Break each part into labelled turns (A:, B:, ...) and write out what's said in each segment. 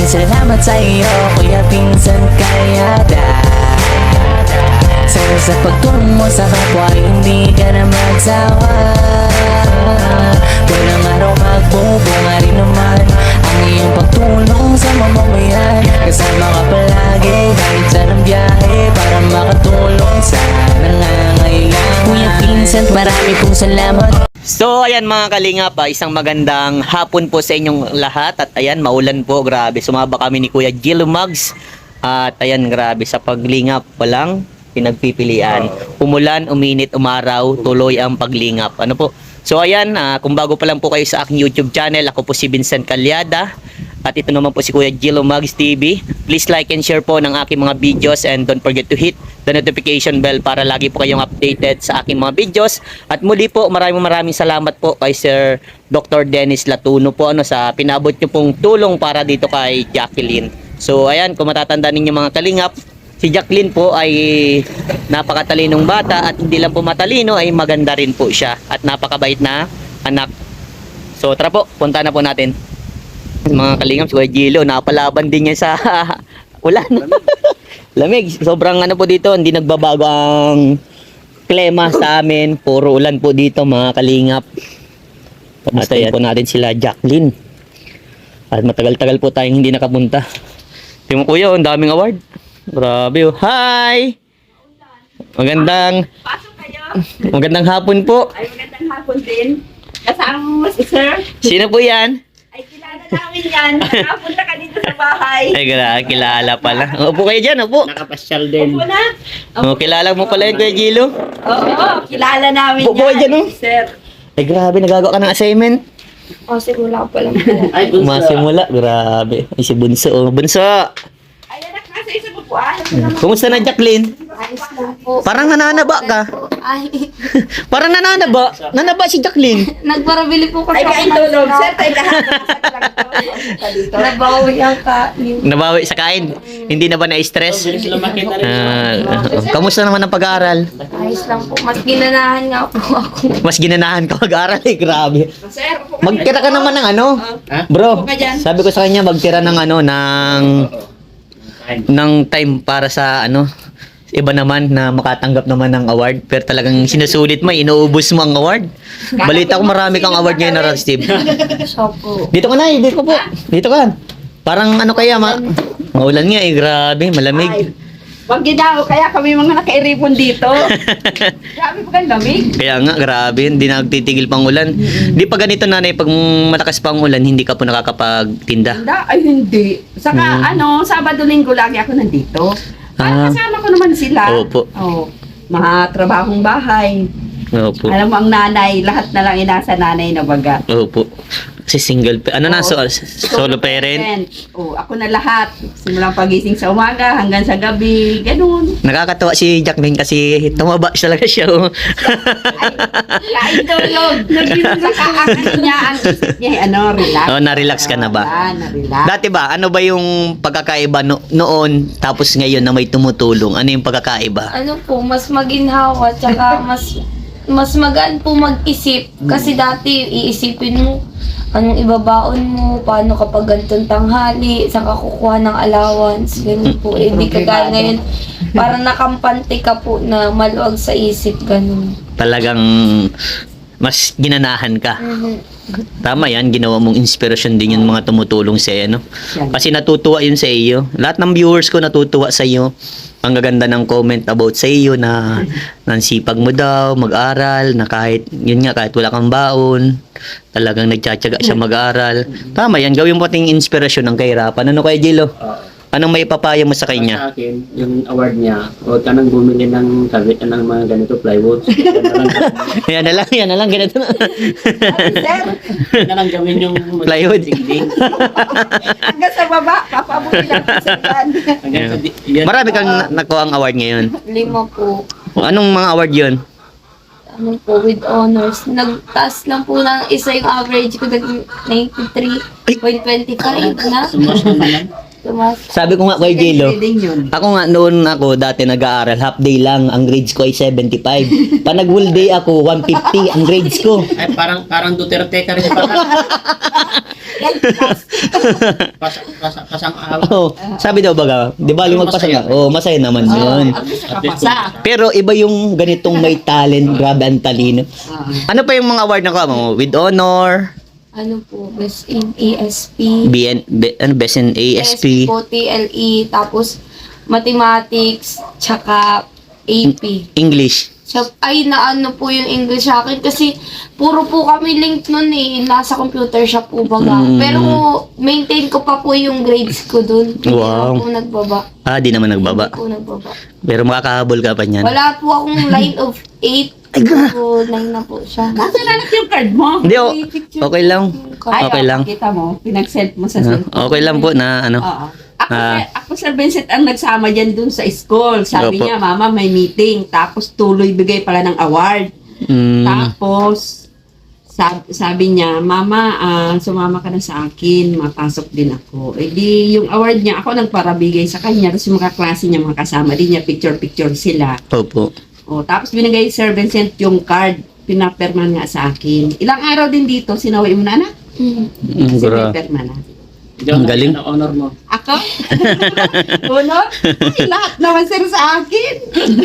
A: Maraming salamat sa iyo, Kuya Vincent Calyada. Sana sa pagtulong mo sa kapwa, hindi ka na magsawa. Walang araw magbubunga rin naman ang iyong pagtulong sa mamamayan. Kasama ka palagi kahit saan ang biyahe para makatulong sa nangangailangan. Kuya Vincent, marami pong salamat.
B: So ayan mga kalingap, isang magandang hapon po sa inyong lahat. At ayan, maulan po, grabe. Sumaba kami ni Kuya Gilo Mugs. At ayan, grabe, sa paglingap walang pinagpipilian. Umulan, uminit, umaraw, tuloy ang paglingap. Ano po? So ayan, kung bago pa lang po kayo sa aking YouTube channel, ako po si Vincent Calyada. At ito naman po si Kuya Gilo Mugs TV. Please like and share po ng aking mga videos, and don't forget to hit the notification bell para lagi po kayong updated sa aking mga videos. At muli po, maraming salamat po kay Sir Dr. Dennis Latuno po sa pinabot niyo pong tulong para dito kay Jacqueline. So ayan, kung matatandaan ninyo mga kalingap, si Jacqueline po ay napakatalinong bata, at hindi lang po matalino, ay maganda rin po siya at napakabait na anak. So tara po, punta na po natin. Mga kalingap, si Kuya Gilo, napalaban din niya sa ulan. Lamig. Sobrang ano po dito, hindi nagbabago ang klima sa amin. Puro ulan po dito mga kalingap. At ayan po natin sila Jacqueline. At matagal-tagal po tayong hindi nakapunta. Tingnan mo kuya, ang daming award. Grabe oh. Hi! Magandang magandang hapon po.
C: Ay, magandang hapon din. Kasama mo si Sir.
B: Sino po yan?
C: Ay, kilala namin yan. Nakapunta ka dito sa bahay.
B: Ay, kilala pala. Upo kayo dyan, upo.
D: Nakapasyal din.
C: Opo na.
B: Oh, kilala mo pala yung Kuya Gilo?
C: Oo, kilala namin
B: Buboy
C: yan.
B: dyan, oh.
C: Sir.
B: Ay, grabe, nagagawa ka ng assignment.
C: Oh, simula ko pa lang.
D: Ay, dun sa...
B: Masimula, grabe. Ay, si Bunso, oh. Bunso!
C: Ay, anak, nasa isa po po. Ah,
B: Kumusta na, Jacqueline?
C: ayos lang po.
B: Parang nananaba ka.
C: Ay,
B: Parang nananaba. Nanaba si Jacqueline.
C: nagparabili po kasi ay kain tulog. Sir, tayo lahat. Nabawi ang kain.
B: Nabawi sa kain. Hindi na ba na-stress?
D: Bilis lumaki na rin.
B: Kamusta naman ang pag-aaral?
C: Ayos lang po. Mas ginanahan nga po ako.
B: Mas ginanahan ka mag-aaral eh, grabe.
C: Sir, upo ka
B: Magtira ka naman ng ano?
D: Ha?
B: Bro,
C: Upo ka dyan.
B: sabi ko sa kanya magtira ng ano, ng time para sa ano, iba naman na makatanggap naman ng award. Pero talagang sinusulit mo, inuubos mo ang award. Balita ko marami kang award ngayon na Steve.
C: Siya po.
B: Dito ka na, dito po. Dito ka. Parang ano kaya, maulan nga eh, grabe, malamig.
C: Ay, wag daw, kaya kami mga nakairipon dito. Grabe po kang lamig.
B: Kaya nga, grabe, hindi na nagtitigil pang ulan. Di pa ganito nanay, pag malakas pang ulan, hindi ka po nakakapagtinda.
C: Ay, hindi. Saka, Sabado-Linggo lagi ako nandito.
B: Ah.
C: Kasama ko naman sila.
B: Opo.
C: Oh, mga trabahong bahay.
B: Opo.
C: Alam mo, ang nanay, lahat na lang inasa nanay na baga.
B: Opo. Kasi single, ano na,
C: Oo.
B: solo parent.
C: Oh, ako na lahat. Simulang pagising sa umaga hanggang sa gabi. Ganun.
B: Nakakatawa si Jacqueline kasi tumaba talaga siya. Oh.
C: Kain tulog. Saka ang ano niya, ang isip niya, relax.
B: Oh, na-relax ka na ba?
C: Na-relax.
B: Dati ba, ano ba yung pagkakaiba noon tapos ngayon na may tumutulong? Ano yung pagkakaiba?
E: Ano po, mas maginhawa, tsaka mas magaan po mag-isip. Kasi dati, iisipin mo, anong ibabaon mo, paano kapag ganitong tanghali, saan ka kukuha ng allowance, ganun po. Eh, di kagaya ngayon, parang nakampante ka po na maluwag sa isip, ganun.
B: Talagang mas ginanahan ka.
E: Mhm.
B: Tama yan, ginawa mong inspirasyon din yung mga tumutulong sa iyo, no? Kasi natutuwa yun sa iyo. Lahat ng viewers ko natutuwa sa iyo. Ang gaganda ng comment about sa iyo na nansipag mo daw, mag-aral, na kahit, yun nga, kahit wala kang baon, talagang nagtsatsaga siya mag-aral. Tama yan, gawin mo ting inspirasyon ng kahirapan. Ano kaya, Gilo? Anong may papaya mo sa kanya?
D: Sa akin, yung award niya, huwag ka nang bumili ng mga ganito plywood.
B: Yan na lang, ganito na.
D: Yan na lang gawin yung
B: Plywood.
D: sigling.
C: Hanggang sa baba, papabuti lang sa yan.
D: Hanggang sa yan.
B: Marami kang nakuha ang award ngayon.
E: 5 po.
B: Anong mga award yun?
E: Ano po, with honors. Nagtaas lang po ng isa yung average ko, 93.25 na.
D: Sumas naman lang.
E: Tumas.
B: Sabi ko nga kay Gilo,
C: Reading yun.
B: ako nga noon dati nag-aaral, half day lang, ang grades ko ay 75. Pag nag-whole day ako, 150 ang grades ko.
D: Ay, parang Duterte ka rin. Pasang araw.
B: Oh, sabi daw baga, di ba lumagpasa nga? Oh, masaya naman yun.
C: At least
D: At least
C: nakapasa.
B: Pero iba yung ganitong may talent, grabe ang talino. Ano pa yung mga award na ka mo? With honor,
E: Ano po, best in ASP.
B: best in ASP,
E: po, TLE, tapos mathematics, tsaka AP.
B: English.
E: Ay, naano po yung English sa akin kasi puro po kami link nun eh. Nasa computer shop po baga. Pero maintain ko pa po yung grades ko dun. Hindi
B: Wow.
E: na po nagbaba.
B: Ah, di naman nagbaba.
E: Hindi po nagbaba.
B: Pero makakahabol ka pa niyan.
E: Wala po akong line of 8. So, 9 na po siya.
C: Nasa nanak yung card mo?
B: Hindi, okay lang.
C: Ay,
B: Okay lang.
C: Kita mo, pinag-send mo sa cellphone.
B: Okay lang po na ano.
C: Oo.
B: Ah.
C: Ako, Sir Vincent, ang nagsama dyan dun sa school. Sabi
B: Opo.
C: niya, Mama, may meeting. Tapos tuloy bigay pala ng award.
B: Mm,
C: Tapos, sabi niya, Mama, sumama ka na sa akin, mapasok din ako. Eh di, yung award niya, ako nagparabigay sa kanya. Tapos yung mga klase niya, mga kasama din niya, picture-picture sila.
B: opo.
C: O, tapos binigay Sir Vincent yung card, pinaperman nga sa akin. Ilang araw din dito, sinawi mo na anak?
B: Mm,
C: Si
B: gra-
C: Pepperman na.
B: Ang galing.
D: Ang honor mo.
C: Ako? Honor? Ay, lahat naman sir sa akin.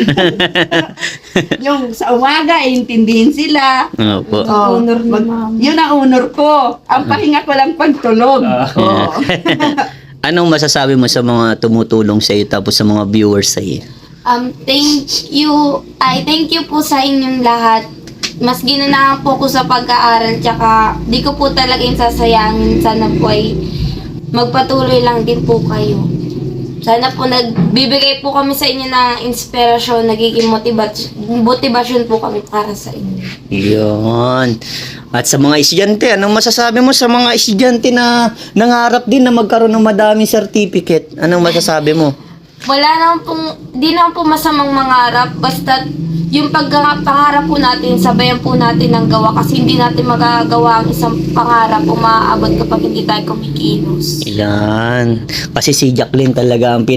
C: Yung sa umaga, intindihin sila.
B: Opo.
C: Oh,
E: Honor ni Mama.
C: Yun ang honor ko. Ang pahinga ko lang pagtulog. Oo.
B: Anong masasabi mo sa mga tumutulong sa iyo tapos sa mga viewers sa iyo?
E: Thank you. Thank you po sa inyong lahat. Mas ginanahan po ko sa pag-aaral, tsaka di ko po talaga yung sasayangin. Sana po ay magpatuloy lang din po kayo. Sana po nagbibigay po kami sa inyo ng inspirasyon, nagiging motivasyon po kami para sa inyo.
B: Yun. At sa mga estudyante, anong masasabi mo sa mga estudyante na nangarap din na magkaroon ng madaming certificate? Anong masasabi mo?
E: Wala naman pong, di naman po masamang mangarap, basta yung pangarap po natin, sabayan po natin ng gawa kasi hindi natin magagawa ang isang pangarap o maaabot kapag hindi tayo kumikilos.
B: Ilan. Kasi si Jacqueline talaga ang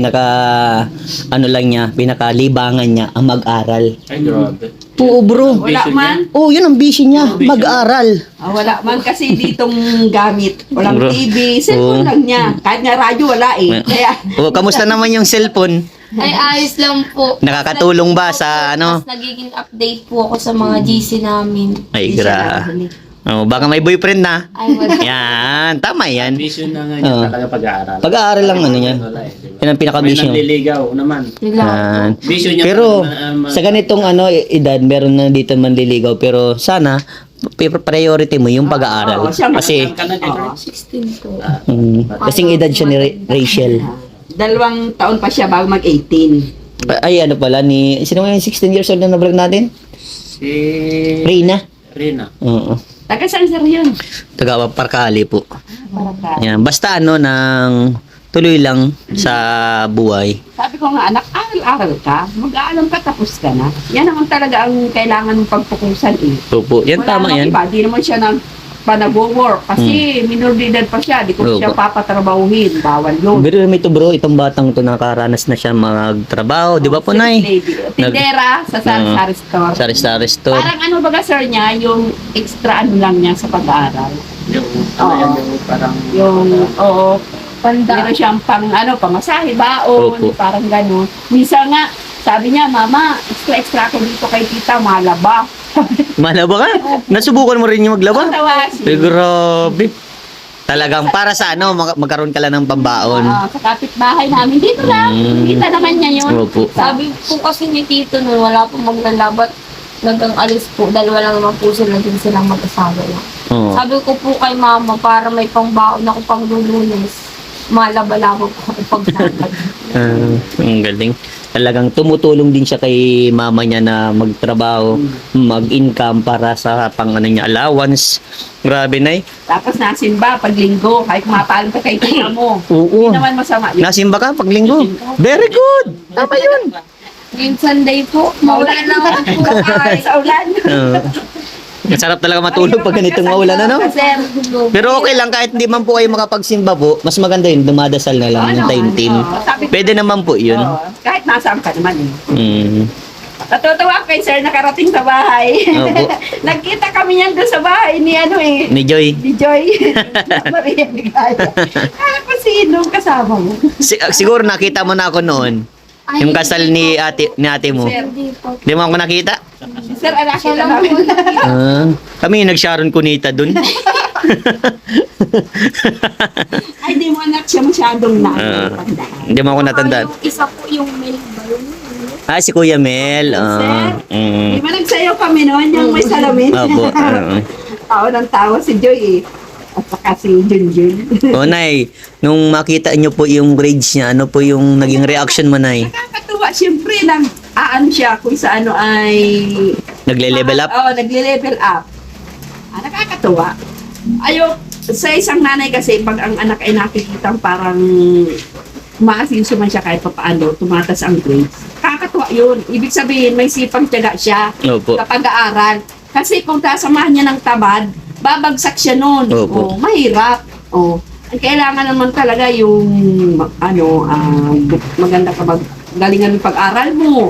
B: pinakalibangan niya ang mag-aral.
D: Ay, grabe.
B: Oo bro.
C: Wala man.
B: Oh, yun ang vision niya, mag-aral.
C: Wala man kasi ditong gamit. Walang
B: Bro.
C: TV. Cellphone
B: Oo.
C: lang niya. Kahit nga radyo, wala eh. Kaya,
B: Oh, kamusta naman yung cellphone?
E: Ay, ayos lang po.
B: Nakakatulong ba sa ano?
E: Mas nagiging update po ako sa mga GC namin.
B: Ay,
C: Hindi siya
B: gra.
C: nakahuli.
B: Oh, baka may boyfriend na.
E: Ay, wala.
B: Yan, tama yan.
D: Vision na nga niya
B: Oo.
D: talaga pag-aaral.
B: Pag-aaral lang ano yan.
D: Wala eh, diba?
B: Yan ang
D: May
B: pinaka-vision.
D: nanliligaw naman.
B: Yan.
D: Vision niya
B: Pero
D: talaga
B: sa ganitong edad, meron na dito manliligaw. Pero sana, priority mo yung pag-aaral.
C: Oo, siya,
B: Kasi,
D: ka na,
C: Oo.
E: 16 po.
B: kasing edad siya ni Rachel.
C: 2 taon pa siya bago mag-18.
B: Ay, ano pala, sino nga yung 16 years old na na-vlog natin?
D: Si
B: Reyna.
D: Rina.
B: Oo.
C: Taga saan sir yun?
B: Taga Parkali po.
C: Para ka.
B: Yan. Basta nang tuloy lang sa buhay.
C: Sabi ko nga, anak, aral-aral ka. Mag-aalam ka, tapos ka na. Yan naman talaga ang kailangan mong pagpukusan eh.
B: Opo. Yan,
C: Wala
B: tama
C: namang
B: yan.
C: Iba. Di naman siya pa nag-work. Kasi minor de edad pa siya. Di ko
B: Opo.
C: siya papatrabahuhin. Bawal yun.
B: Pero may to bro, itong batang to nakaranas na siya magtrabaho. Di ba po, Nay?
C: Lady. Tindera sa sari-sari store.
B: Sari-sari store.
C: Parang ano baga sir niya, yung extra ano lang niya sa pag-aaral.
D: Yung, ano yan, yung parang...
C: Yung, oo,
E: Panda.
C: meron siyang pamasahe, baon,
B: Opo.
C: parang gano'n. Minsan nga, sabi niya, Mama, extra ako dito kay tita, malaba.
B: Malaba ka? Nasubukan mo rin yung maglaba?
C: Tawa
B: Ay, grabe. Talagang para sa ano, magkaroon ka lang ng pambaon.
C: Sa kapitbahay namin, dito lang. Kita naman niya yun.
B: Opo.
E: Sabi po kasi ni Tito nun, wala po maglalabat. Nagang alis po, dalawa lang naman po sila din silang mag-asawa lang.
B: Oo.
E: Sabi ko po kay Mama, para may pangbaon ako pang lulunes. Malaba-laba po ako paglalagay.
B: Ang galing. Talagang tumutulong din siya kay mama niya na magtrabaho, mag-income para sa pang ano niya, allowance. Grabe, Nay.
C: Tapos nasimba pag linggo, kahit mapalam ka kay tita mo.
B: Oo.
C: Hindi naman masama yun.
B: Nasimba ka pag linggo. Very good. Tama yun.
E: Yung Sunday po, maulan lang ako po.
C: Ay, sa ulan.
B: Sarap talaga matulog pag ganitong maulan, ano?
C: Sir,
B: Pero okay lang, kahit hindi man po kayo makapagsimba po, mas maganda yun, dumadasal na lang yung time team. Pwede naman po yun.
C: Kahit nasaan ka naman eh.
B: Mm.
C: Natutuwa kay sir nakarating sa bahay.
B: Opo.
C: Nagkita kami niyan doon sa bahay ni ano eh.
B: Ni Joy.
C: Ni Joy. Maria Ligaya. Kala ko sinong kasama mo.
B: Siguro nakita mo na ako noon. Yung kasal ni ate mo.
C: Sir.
E: Hindi po.
B: Di mo ako nakita?
C: Sir, anak
E: Siya
C: kita
E: lang
C: namin.
B: Ah, kami yung nag-Sharon Cunita dun.
C: Ay, di mo anak siya masyadong na.
B: Hindi mo ako natandaan.
E: Yung isa po yung Mel ba yun?
B: Ah, si Kuya Mel.
C: Di ba nagsayaw kami noon yung may salamin?
B: Opo.
C: Tao ng tao si Joy eh. At saka si Junjun.
B: O, Nay, nung makita niyo po yung grades niya, ano po yung naging reaction mo, Nay?
C: Nakakatuwa, siyempre, aano siya kung sa ano ay...
B: Nagle-level up?
C: Oo, nagle-level up. Nakakatuwa. Sa isang nanay kasi, pag ang anak ay nakikita parang maasinso man siya kahit papaano, tumatas ang grades. Nakakatuwa yun. Ibig sabihin, may sipag tiyaga siya
B: Opo.
C: kapag aaral. Kasi kung tasamahan niya ng tamad, babagsak siya nun.
B: Opo.
C: Mahirap. Ang kailangan naman talaga yung maganda ka galingan ng pag-aral mo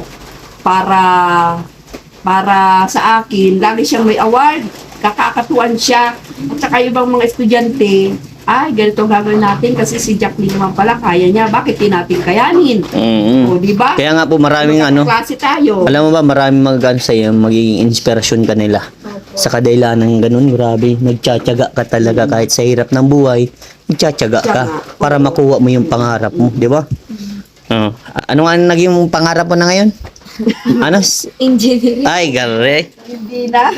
C: para sa akin, lagi siyang may award, kakakatuan siya. At saka yung ibang mga estudyante, ay, ganito gagawin natin kasi si Jacqueline naman pala, kaya niya. Bakit di natin kayanin? O, di ba?
B: Kaya nga po maraming
C: Klase tayo.
B: alam mo ba, maraming magagano sa'yo, magiging inspirasyon ka nila. Sa kadahilan ng ganun, grabe, nagtsatsaga ka talaga kahit sa hirap ng buhay, nagtsatsaga ka para makuha mo yung pangarap mo, di ba? Ano nga naging pangarap mo na ngayon? Ano?
E: Engineering.
B: Ay, gare.
C: Hindi na.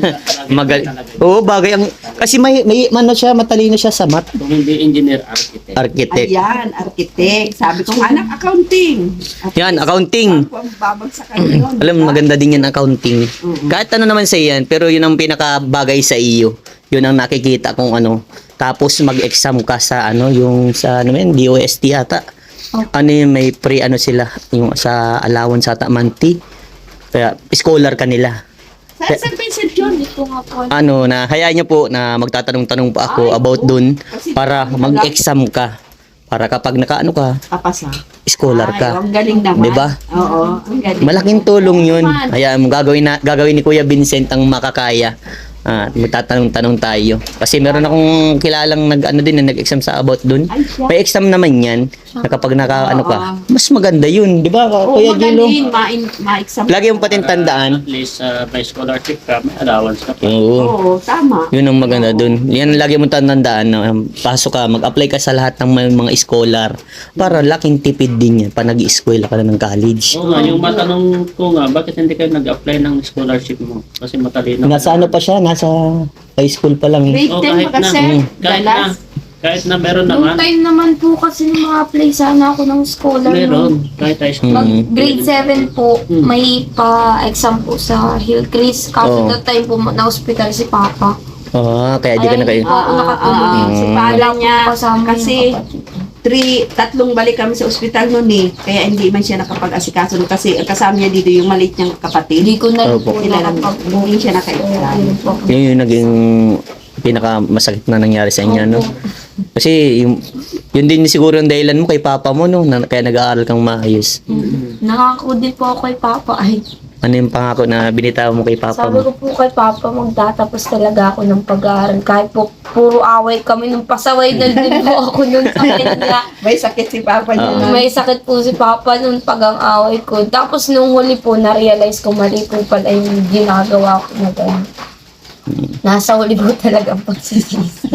B: Oo, bagay ang kasi may siya, matalino siya sa math,
D: Kung hindi engineer, architect.
B: architect.
C: Ayan, architect. Sabi ko, anak, accounting.
B: Yan, accounting.
C: Ako ang babagsakan yun.
B: Alam mo, maganda din yan accounting.
C: Oo.
B: Kahit ano naman sa yan, pero yun ang pinakabagay sa iyo. Yun ang nakikita kung ano. Tapos mag-exam ka sa yung sa DOST yata. Ano yung may sila, yung sa allowance ata monthly. Kaya scholar ka nila.
C: Saan Vincent yun?
E: Dito nga po.
B: Na hayaan niyo po na magtatanong-tanong pa ako about dun para mag-exam ka. Para kapag nakaano ka,
C: Kapasa.
B: scholar ka.
C: Ang galing naman.
B: Diba?
C: Oo, ang galing.
B: Malaking tulong yun. Hayaan mo, gagawin ni Kuya Vincent ang makakaya. Magtatanong-tanong tayo. Kasi meron akong kilalang nag-exam sa about dun.
C: Ay, siya.
B: May exam naman yan. Na kapag ka, mas maganda yun. Di ba,
C: Oo,
B: Kuya Gilo?
C: magaling. Ma-exam.
B: Lagi yung patin tandaan.
D: At least may scholarship ka, may allowance ka pa.
B: Oo.
C: Oo, tama.
B: Yun ang maganda dun. Yan lagi mong tandaan. Pasok ka, mag-apply ka sa lahat ng mga scholar. Para laking tipid din yan. Pa nag-i-eskwela ka na ng college.
D: Oo nga, yung matanong ko nga, bakit hindi kayo nag-apply ng scholarship mo? Kasi matalino.
B: Nasa ano pa siya? Nasa high school pa lang.
C: Grade
D: Oo,
C: 10
D: kahit
C: pa
D: na.
C: kasi.
D: Kahit na meron
E: Noong
D: naman.
E: time naman po kasi nung mga apply sana ako ng scholar.
D: Meron. Kahit high school.
E: Mag grade 7 po, may pa-exam po sa Hillcrest. Kaso
B: Oo.
E: that time po na-hospital si Papa.
B: Kaya di ka na kayo.
E: hindi po ako nakatulog.
C: Si
B: Mm.
C: pala niya,
E: Kasama yung
C: kasi
E: kapatid.
C: tatlong balik kami sa ospital noon eh. Kaya hindi man siya nakapag-asikaso nun kasi ang kasama niya dito yung maliit niyang kapatid.
E: Hindi ko na rin
B: Opo.
E: po
C: Kailangan
E: nakapag-
C: hindi siya naka-exam.
E: Yun po.
B: Yun yung naging pinaka-masakit na nangyari sa inyo, no? Kasi yun din siguro ang dahilan mo kay papa mo, no? Kaya nag-aaral kang maayos.
E: Nangako din po ako kay Papa. Ay,
B: Ano yung pangako na binitaw mo kay papa
E: sabi
B: mo?
E: ko po kay Papa, magtatapos talaga ako ng pag-aaral. Kahit po puro away kami nung pasaway na din po ako nung sa kanya.
C: May sakit si Papa niya.
B: Oo.
C: nun.
E: May sakit po si Papa nung pag-ang-away ko. Tapos nung huli po, na-realize ko mali po pala yung ginagawa ko na gano'n. Nasa huli po talaga ang pagsisisi.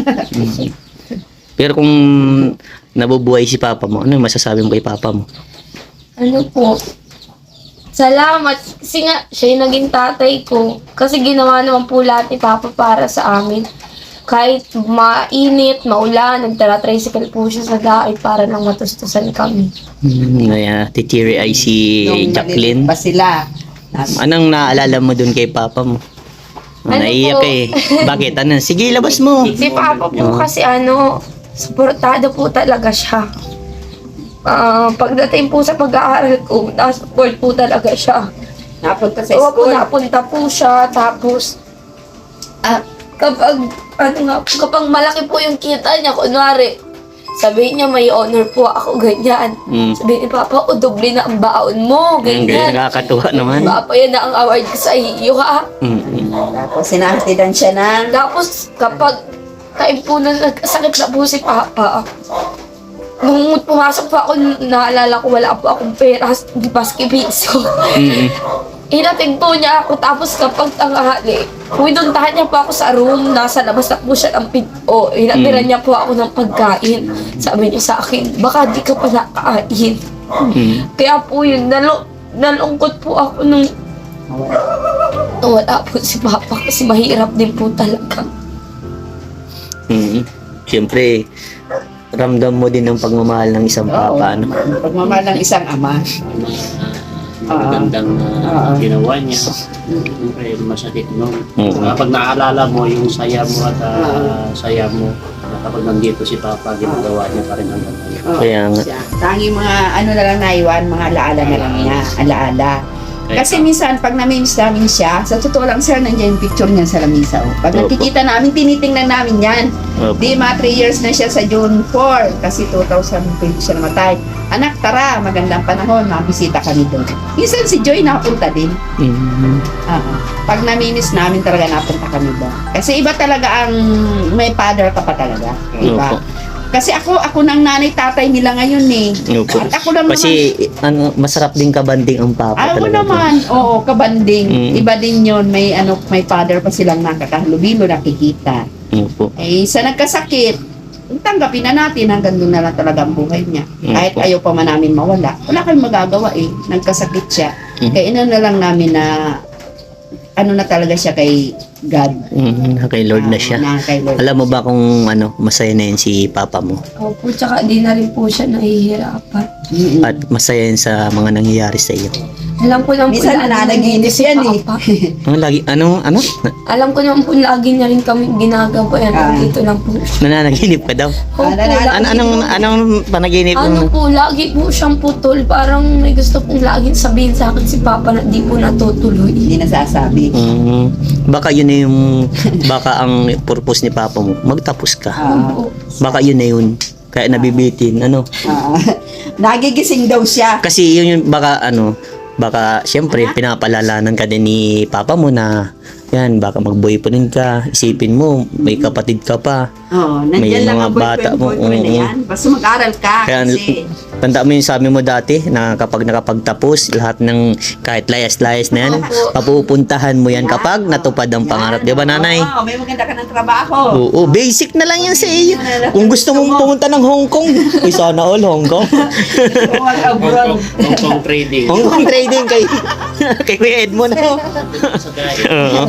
B: Pero kung nabubuhay si papa mo, ano yung masasabi mo kay papa mo?
E: Ano po? Salamat. Kasi nga, siya yung naging tatay ko. Kasi ginawa naman po lahat ni Papa para sa amin. Kahit mainit, maulan, nagtara-tricycle po siya sa dait para lang matustusan kami.
B: Titiri ay si
C: Nung
B: Jacqueline.
C: maliit pa sila.
B: Anong naalala mo dun kay papa mo?
E: Ano
B: Naiiyak
E: po?
B: eh. Bakit? Ano? Sige, labas mo.
E: Si Papa po kasi suportado po talaga siya. Pagdating po sa pag-aaral ko, na-support po talaga siya.
C: Napunta sa
E: So,
C: school.
E: napunta po siya, tapos kapag malaki po yung kita niya, kunwari, Sabihin niya, may honor po ako, ganyan. Sabihin ni Papa, o doble na ang baon mo,
B: Ganyan,
E: ganyan.
B: nakakatuwa naman.
E: Papa, yan na ang award ko sa iyo, ha?
C: Tapos sinahatidan siya ng
E: Tapos, kapag time po na nagkasakit na po si Papa, nung pumasok po ako, naalala ko wala po akong pera, di baski piso. Hinatid po niya ako, tapos kapag tanghali, pinuntahan niya po ako sa room, nasa labas na po siya ng pinto. Hinatiran niya po ako ng pagkain. Sabi niya sa akin, baka di ka pa nakain. Kaya po yun, nalungkot po ako nung wala po si Papa kasi mahirap din po talaga.
B: Siyempre, ramdam mo din ang pagmamahal ng isang papa, ano?
C: pagmamahal ng isang ama.
D: Magandang ginawa niya. Siyempre, masakit no. Kapag naalala mo yung saya mo at saya mo, kapag nandito si Papa, ginagawa niya pa rin hanggang ngayon.
B: Kaya nga.
C: Tangi mga ano na lang naiwan, mga alaala na lang niya, alaala. Kasi minsan, pag namimiss namin siya, sa totoo lang sir, nandiyan yung picture niya sa lamisa. Pag
B: Opo.
C: nakikita namin, tinitingnan namin yan.
B: Opo.
C: Di, mga 3 years na siya sa June 4, kasi 2020 siya namatay. Anak, tara, magandang panahon, mabisita kami doon. Minsan si Joy napunta din. Pag namimiss namin talaga, napunta kami doon. Kasi iba talaga ang may father ka pa talaga. Diba?
B: Opo.
C: Kasi ako ng nanay tatay nila ngayon eh.
B: Opo.
C: At ako lang
B: Kasi ano, masarap din kabanding ang papa
C: Ako
B: talaga.
C: naman, oo, kabanding.
B: Mm.
C: Iba din yon, may may father pa silang nakakahalubilo, nakikita.
B: Opo.
C: Eh, sa nagkasakit, tanggapin na natin hanggang doon na lang talaga ang buhay niya. Kahit
B: Opo.
C: ayaw pa man namin mawala. Wala kayong magagawa eh. Nagkasakit siya.
B: Mm.
C: Kaya ina na lang namin na ano na talaga siya kay God.
B: Kay Lord na siya.
C: Na kay Lord.
B: Alam mo ba kung ano, masaya na yun si papa mo?
E: Opo, tsaka di na rin po siya nahihirapan.
C: Mm-mm.
B: At masaya yun sa mga nangyayari sa iyo.
E: Alam ko naman po
C: Minsan
E: lagi
C: nananaginip
E: nandito si
C: yan eh.
E: Papa.
B: Ano?
E: Alam ko naman po lagi niya rin kami ginagawa. Yan, dito lang po.
B: Nananaginip ka daw?
E: Opo,
C: Nananaginip.
E: lagi
B: Anong panaginip
E: Ano
B: mo?
E: po, lagi po siyang putol. Parang may gusto pong laging sabihin sa akin si Papa na di po natutuloy.
C: Hindi nasasabi.
B: Baka yun na yung, baka ang purpose ni papa mo, magtapos ka.
E: Opo.
B: Baka yun na yun. Kaya nabibitin, ano?
C: Nagigising daw siya.
B: Kasi yun yung baka siyempre pinapalalanan ka din ni papa mo na yan, baka mag-boyfriend ka, isipin mo, may kapatid ka pa.
C: Oo,
B: May
C: nandiyan lang
B: mga
C: ang
B: bata mo,
C: boyfriend na
B: oo.
C: yan. Basta mag-aral ka.
B: Kaya
C: Kasi,
B: tanda mo yung sabi mo dati na kapag nakapagtapos, lahat ng kahit layas-layas na yan, papupuntahan mo yan kapag natupad ang pangarap. Di ba, nanay?
C: Oo, may maganda ka ng trabaho.
B: Oo, basic na lang yan sa iyo. Kung gusto mong pumunta ng Hong Kong, ay sana all Hong Kong.
C: Abroad.
D: Hong Kong trading.
B: Hong Kong trading kay kay Kuya Edmond.
D: Sa gaya.
B: Oo.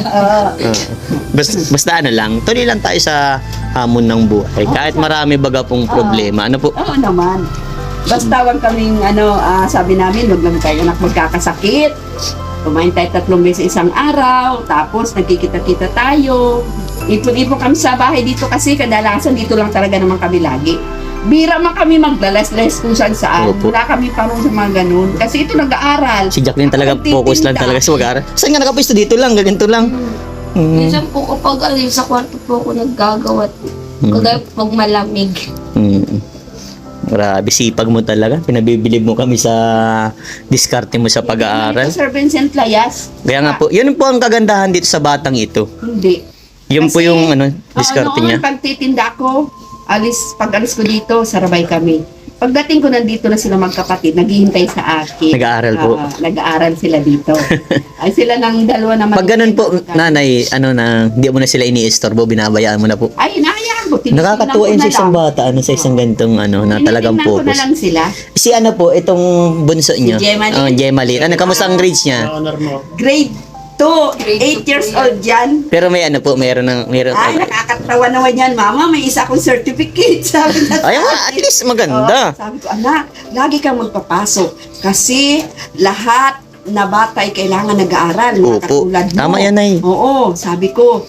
B: Basta ano lang, tuloy lang tayo sa hamon ng buhay. Kahit marami baga pong problema. Ano po?
C: Oo naman. Basta wag kaming sabi namin, wag lang tayo anak magkakasakit. Kumain tayo 3 beses isang araw, tapos nagkikita-kita tayo. Ipon-ipon kami sa bahay dito kasi kadalasan dito lang talaga naman kami lagi. Bira man kami maglalas-las kung saan.
B: Opo.
C: Wala kami parang sa mga ganun. Kasi ito nag-aaral.
B: Si Jacqueline talaga focus lang talaga sa mag-aaral. Saan nga nakapisto? Dito lang, ganito lang.
E: Minsan po kapag sa kwarto po ako naggagawa. Kagaya pag malamig.
B: Grabe, sipag mo talaga. Pinabibilib mo kami sa diskarte mo sa pag-aaral.
C: Sir Vincent Layas.
B: Kaya nga po, yun po ang kagandahan dito sa batang ito.
C: Hindi.
B: Yun po
C: Kasi,
B: yung diskarte
C: noon,
B: niya.
C: pagtitinda ko, pag alis ko dito, sarabay kami. Pagdating ko nandito na sila magkapatid, naghihintay sa akin.
B: Nag-aaral po.
C: Nag-aaral sila dito. Ay sila ng dalawa naman.
B: Pag ganun po, nanay, hindi mo na sila ini-istorbo, binabayaan mo na po.
C: Ay, inahayaan ko. Tinitingnan
B: Nakakatuwa
C: ko
B: yun
C: na
B: sa isang
C: lang.
B: bata, sa isang ganitong na talagang
C: Tinitingnan ko na
B: focus.
C: lang sila.
B: Si itong bunso niyo?
C: Gemaline.
B: Gemaline. Kamusta ang grades niya?
D: Honor mo.
C: Grade 2, 8 years old yan.
B: Pero may meron.
C: Ay, nakakatawa naman yan, mama. May isa akong certificate. Sabi na
B: Ay, at least maganda.
C: Sabi ko, anak, lagi kang magpapasok. Kasi lahat na bata ay kailangan nag-aaral. Mga
B: Opo.
C: katulad mo.
B: Tama yan, Nay.
C: Oo, sabi ko,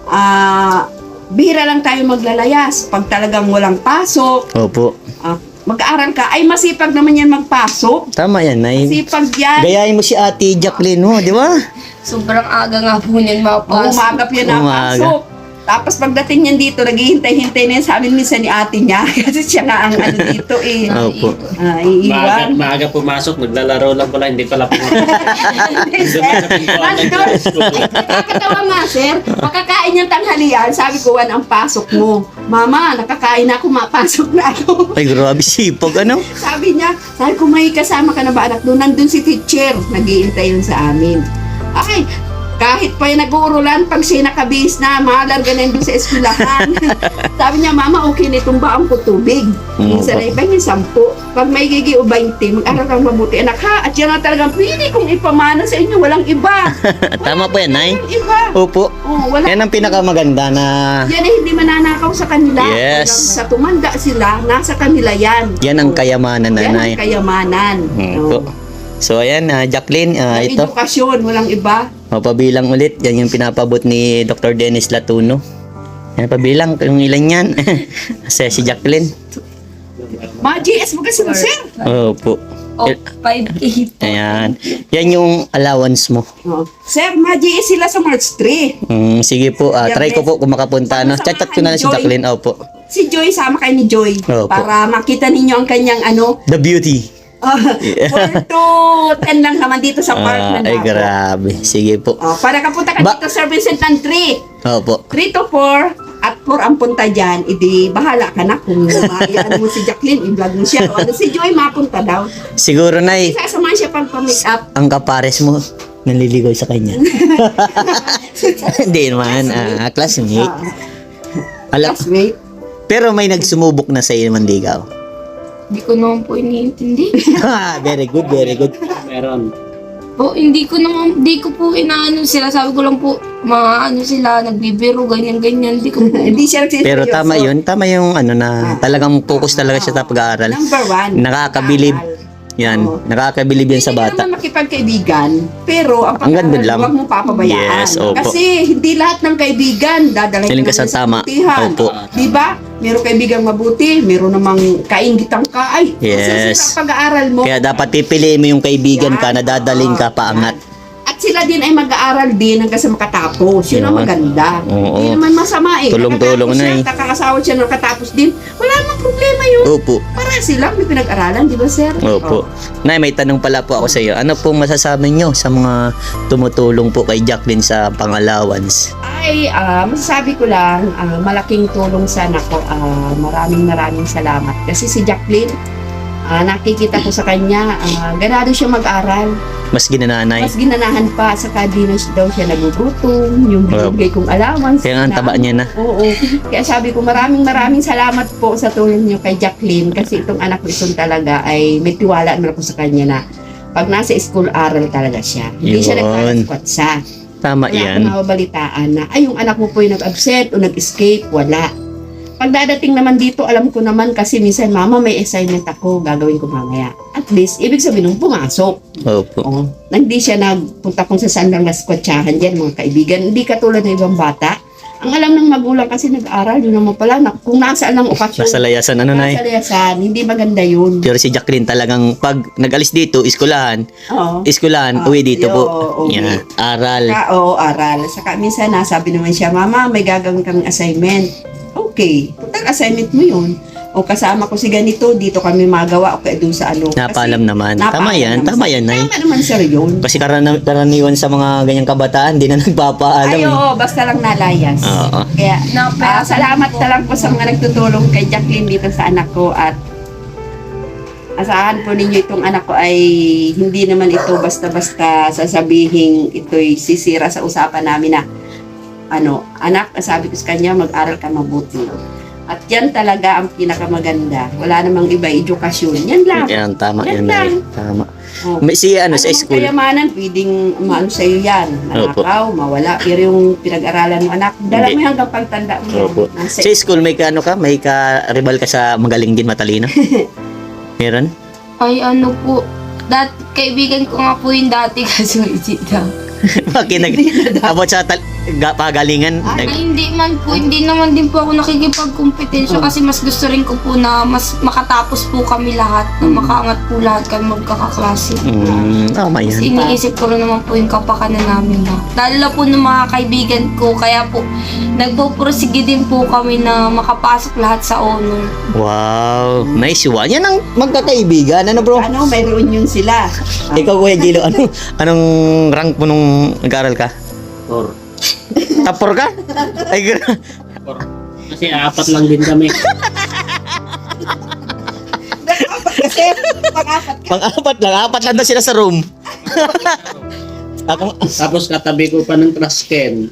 C: bihira lang tayo maglalayas. Pag talagang walang pasok,
B: Opo.
C: mag-aaral ka, ay masipag naman yan magpasok.
B: Tama yan, Nay.
C: Masipag yan.
B: Gayahin mo si Ate Jacqueline mo, di ba?
E: Sobrang aga nga po niyan mapasok.
C: Umagap yan ang
B: Umaga.
C: pasok. Tapos pagdating niyan dito, naghihintay-hintay na yan sa amin minsan ni ate niya. Kasi siya nga ang ano dito eh.
B: Opo.
C: Iiwan.
D: Maaga pumasok, naglalaro lang pala, hindi pala pumasok.
C: Nandun. Nakakatawa nga, sir. Makakain niyang tanghalian. Sabi ko, Juan, ang pasok mo. Mama, nakakain na ako, mapasok na ako.
B: Ay, grabe sipag, ano?
C: Sabi ko, may kasama ka na ba anak doon? Nandun si teacher. Nag-iintay yun sa amin. Ay, kahit pa yung nag-uurulan, pag siya nakabihis na, malarga na yun doon sa eskwelahan. Sabi niya, Mama, okay na itong baang ko tubig. Minsan ay ibang yung 10. Pag may gigi o 20, mag-aral kang mabuti. Anak ha, at yan na talagang pwede kong ipamana sa inyo, walang iba.
B: Tama po yan, Nay.
C: Walang iba.
B: Opo.
C: Oh, wala.
B: Yan ang pinakamaganda na
C: Yan ay hindi mananakaw sa kanila.
B: Yes.
C: Hanggang sa tumanda sila, nasa kanila yan.
B: yan ang kayamanan,
C: Yan
B: Nanay.
C: ang kayamanan.
B: Opo. So ayan, Jacqueline, ito.
C: Edukasyon, walang iba.
B: Pabilang ulit, yan yung pinapabot ni Dr. Dennis Latuno. Yan, pabilang kung ilan yan. Kasi si Jacqueline.
C: Mga GS mo kasi mo, sir.
B: Opo.
E: Oh, 5K po.
B: Ayan. Yan yung allowance mo.
C: Oh. Sir, mga GS sila sa March 3.
B: Sige po, try ko po kung makapunta. No?
C: Sama-samahan
B: Chat ko na lang si
C: ni Joy.
B: Jacqueline. Opo.
C: Si Joy, sama kayo ni Joy.
B: Opo.
C: Para makita ninyo ang kanyang ano.
B: The beauty.
C: 4 to 10 lang naman dito sa park na
B: Ay, grabe. Sige po.
C: Para kapunta ka dito, Sir Vincent, ng 3.
B: Opo.
C: 3 to 4. At 4 ang punta dyan, edi bahala ka na kung ano mo si Jacqueline, i-vlog mo siya. O ano, si Joy, mapunta daw.
B: Siguro, Nay,
C: Sasamahan siya pag pa-make up.
B: ang kapares mo, naliligaw sa kanya. Hindi naman, classmate. Alam,
C: Classmate.
B: pero may nagsumubok na sa iyo manligaw.
E: Hindi ko naman po iniintindi.
B: Very good, very good.
D: Meron.
E: Hindi ko po inaano sila. Sabi ko lang po, mga ano sila, nagbibiro, ganyan-ganyan. Hindi ko po.
C: Hindi siya nagsiseryoso.
B: Pero tama yung ano na talagang focus talaga siya sa pag-aaral.
C: Number 1.
B: Nakakabilib. Yan,
C: Oo.
B: nakakabilib yan sa
C: Hindi
B: bata.
C: naman makipagkaibigan, pero ang
B: Hanggang
C: pag-aaral
B: doon lang.
C: huwag mo papabayaan.
B: Yes, opo.
C: Kasi hindi lahat ng kaibigan dadalhin
B: Feeling ka sa tama.
C: kabutihan.
B: Opo.
C: Di ba? Meron kaibigang mabuti, meron namang kainggitang ka. Ay,
B: Yes.
C: masasira ang pag-aaral mo.
B: Kaya dapat pipiliin mo yung kaibigan ka na dadaling ka paangat.
C: At sila din ay mag-aaral din hanggang sa makatapos. Yun ang
B: Yun.
C: maganda.
B: Oo.
C: Hindi naman masama eh.
B: Tulong-tulong
C: Nakatapos
B: na
C: siya,
B: eh.
C: Kakakasawa siya ng katapos din. Wala namang problema yun.
B: Opo.
C: Para silang may pinag-aralan, di ba, sir?
B: Opo.
C: Oh.
B: Nay, may tanong pala po ako sa iyo. Ano pong masasabi nyo sa mga tumutulong po kay Jacqueline sa pang-allowance?
C: Ay, masasabi ko lang, malaking tulong sa anak ko. Maraming salamat. Kasi si Jacqueline, nakikita ko sa kanya, ganado siya mag-aral.
B: Mas ginananay.
C: Mas ginanahan pa, saka di na daw siya nagugutom, yung binigay kong allowance.
B: Kaya nga ang taba niya na.
C: Oo. Kaya sabi ko, maraming salamat po sa tulong niyo kay Jacqueline kasi itong anak ko itong talaga ay may tiwala na ako sa kanya na pag nasa school, aral talaga siya. Hindi siya
B: Yun.
C: nagkakaspatsa.
B: Tama
C: Wala
B: yan.
C: akong mababalitaan na, ay, yung anak mo po yung nag-absent o nag-escape, wala. Pag dadating naman dito, alam ko naman kasi minsan, Mama, may assignment ako, gagawin ko mamaya. At least, ibig sabihin nung pumasok.
B: Opo.
C: Oh, hindi siya nagpunta kung sa saan lang naskwatsahan dyan, mga kaibigan. Hindi katulad ng ibang bata. Ang alam ng magulang kasi nag-aaral, yun naman pala, kung nasaan lang okasyon.
B: Nasa layasan, ano, Nay?
C: Nasa layasan, hindi maganda yun.
B: Pero si Jacqueline talagang pag nag-alis dito, iskulahan,
C: Oo.
B: uwi dito po.
C: uwi.
B: Yan, aral.
C: Oo, aral. Saka minsan, nasabi naman siya, Mama, may gagawin kami assignment. Okay, total assignment mo yun. O kasama ko si ganito, dito kami magawa o kaya doon sa ano.
B: Napaalam naman. Tama yan, Nay.
C: Tama naman sir yun.
B: Kasi karaniwan sa mga ganyang kabataan, di na nagpapaalam.
C: Ay, oo, basta lang nalayas.
B: Oo.
C: Kaya, salamat na lang po sa mga nagtutulong kay Jacqueline dito sa anak ko at asahan po ninyo itong anak ko ay hindi naman ito basta-basta sasabihin ito'y sisira sa usapan namin na anak, sabi ko sa kanya, mag-aral ka mabuti. At yan talaga ang pinakamaganda. Wala namang iba, edukasyon. Yan lang.
B: Yan, tama
C: Yan
B: yan, Nay.
C: lang.
B: Tama.
C: Oh.
B: May si ano sa
C: Anong
B: school.
C: kayamanan, pwedeng maano sa'yo yan. Nanakaw, mawala. Pero yung pinag-aralan mo, anak, dala mo
B: Hindi.
C: yan hanggang pagtanda mo. yan.
B: Opo.
C: Nasa
B: Sa school may may ka-rival ka sa magaling din, matalino? Meron?
E: Ay, ano po. Kaibigan ko nga po yung dati kaso daw.
B: Bakit about sa pagalingan?
E: Ay, hindi naman din po ako nakikipagkompetensya kasi mas gusto rin ko po na mas makatapos po kami lahat, na makaangat po lahat kami magkakaklase.
B: Tama
E: Kasi
B: yan.
E: iniisip ko rin naman po yung kapakanan namin na. Lalo na po ng mga kaibigan ko, kaya po nagpo-prosige din po kami na makapasok lahat sa honor.
B: Wow, nice one. Yan ang magkakaibigan. Ano bro?
C: Ano, may reunion sila.
B: Ikaw Kuya Gilo, anong rank mo nung nag-aral ka?
D: Or,
B: Tapor ka? Ay,
D: kasi apat lang din kami.
C: Kasi pang-apat ka.
B: Pang-apat lang. Apat lang daw sila sa room. Ako,
D: Tapos katabi ko pa ng trash can.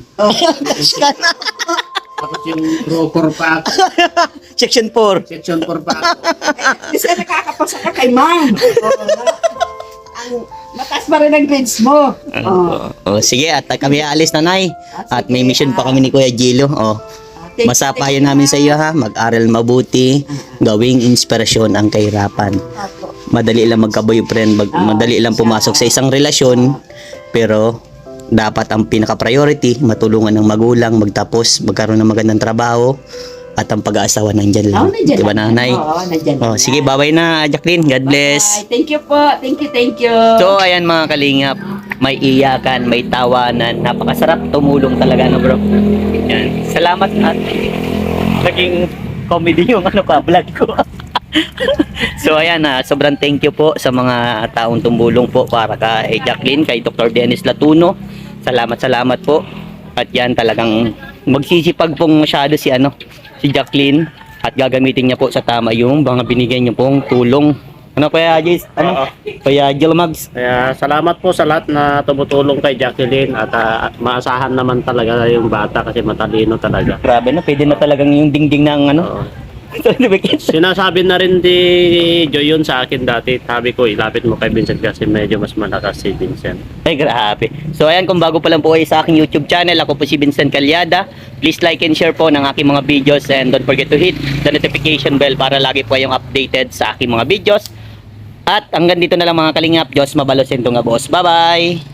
D: Tapos yung broker pa ako.
B: Section 4.
D: Section 4 pa ako.
C: Kasi nakakapasa ka kay ma'am. Ang mataas pa rin ang grades mo.
B: Sige, at kami aalis na, Nay. At may mission pa kami ni Kuya Gilo. Masapayo namin sa iyo ha. Mag-aral mabuti. Gawing inspirasyon ang kahirapan. Madali lang magka-boyfriend. Madali lang pumasok sa isang relasyon. Pero dapat ang pinaka-priority, matulungan ng magulang, magtapos, magkaroon ng magandang trabaho, at ang pag-aasawa nandyan lang.
C: Nandiyan
B: Diba,
C: lang.
B: nanay?
C: Oo, nandiyan lang.
B: Sige, bye-bye na, Jacqueline. God bless.
C: Bye. Thank you po. Thank you.
B: So, ayan mga kalingap, may iyakan, may tawanan, napakasarap tumulong talaga, no bro? Yan. Salamat at naging comedy yung vlog ko. So, ayan, sobrang thank you po sa mga taong tumulong po para kay Jacqueline, kay Dr. Dennis Latuno. Salamat po. At yan talagang magsisipag pong masyado si Jacqueline, at gagamitin niya po sa tama yung mga binigay niyo pong tulong. Ano Kuya Jace?
D: Oo.
B: Kuya Gilmags?
D: Kaya salamat po sa lahat na tumutulong kay Jacqueline at maasahan naman talaga yung bata kasi matalino talaga.
B: Grabe na, pwede na talagang yung dingding ng
D: Oo. Sinasabi na rin di Joy yun sa akin dati. Sabi ko, ilapit mo kay Vincent kasi medyo mas malakas si Vincent.
B: Ay, grabe. So, ayan, kung bago pa lang po kayo sa aking YouTube channel, ako po si Vincent Calyada. Please like and share po ng aking mga videos, and don't forget to hit the notification bell para lagi po kayong updated sa aking mga videos. At hanggang dito na lang mga kalingap. Diyos mabalos yung tunga boss. Bye-bye!